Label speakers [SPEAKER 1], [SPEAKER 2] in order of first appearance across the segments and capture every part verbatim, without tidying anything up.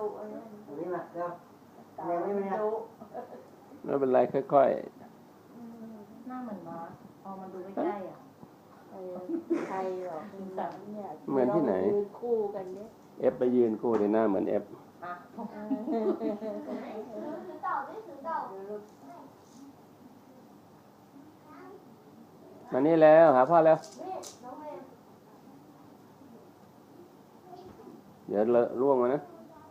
[SPEAKER 1] อะไรนี่มาเดี๋ยวเดี๋ยวไม่เป็นไรไม่
[SPEAKER 2] เป็นไรค่อย
[SPEAKER 3] ๆหน้าเหมือนมาพอมาดูใกล้ๆอ่ะ
[SPEAKER 4] ใครหรอกแบบเนี่ย
[SPEAKER 2] เหมือนที่ไหน
[SPEAKER 4] คู่กันเนี่ย
[SPEAKER 2] เอฟไปยืนคู่ในหน้าเหมือนเอฟมานี่แล้วหาพ่อแล้วเดี๋ยวเลอะร่วงมานะ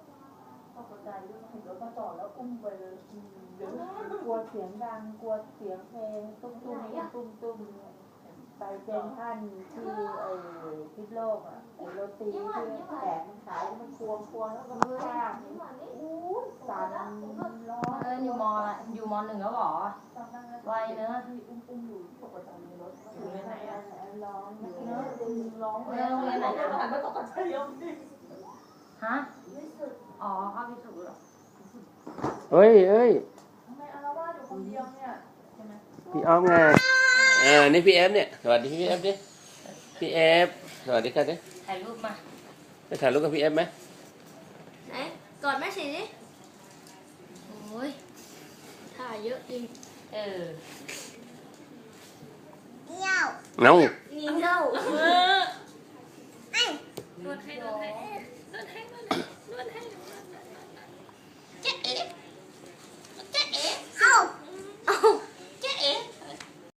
[SPEAKER 4] กลัวเสียงดังกลัวเสียงเพลงตุ้มตุ้มตุ้มตุ้มไปเป็นท่านที่ไอ้พิษโลกอ่ะไอ้โรตีที่แขกมันขายมันควงควงแล้วมันสร้างอู้สั่นร้อน
[SPEAKER 3] เอออยู่มอละอยู่มอหนึ่งแล้วหรอไวเนอะ
[SPEAKER 4] อุ้มอุ้มอยู่ปกติในรถอยู่ในไหนอ่ะร้องเนอะร้อง
[SPEAKER 3] เออโรงเรียนไหนนะ
[SPEAKER 4] ไม่ตกใจยังดิ
[SPEAKER 3] ฮะอ๋อเข้าพิสูจน์หรอ
[SPEAKER 2] เฮ้ยเอ้ย
[SPEAKER 4] ทำไมอาละวาดอยู่คนเดียวเนี่ยใช่ไหม
[SPEAKER 2] พี่อ้อมไงอ่านี่พี่เอฟเนี่ยสวัสดีพี่เอฟดิพี่เอฟสวัสดีครับดิ
[SPEAKER 3] ถ่ายรูปมา
[SPEAKER 2] จะถ่ายรูปกับพี่เอฟไหม
[SPEAKER 5] ไหนกอดแม่สิดิโอ้ยถ่ายเยอะจริง
[SPEAKER 3] เออ
[SPEAKER 5] เงี้ยว
[SPEAKER 2] เนา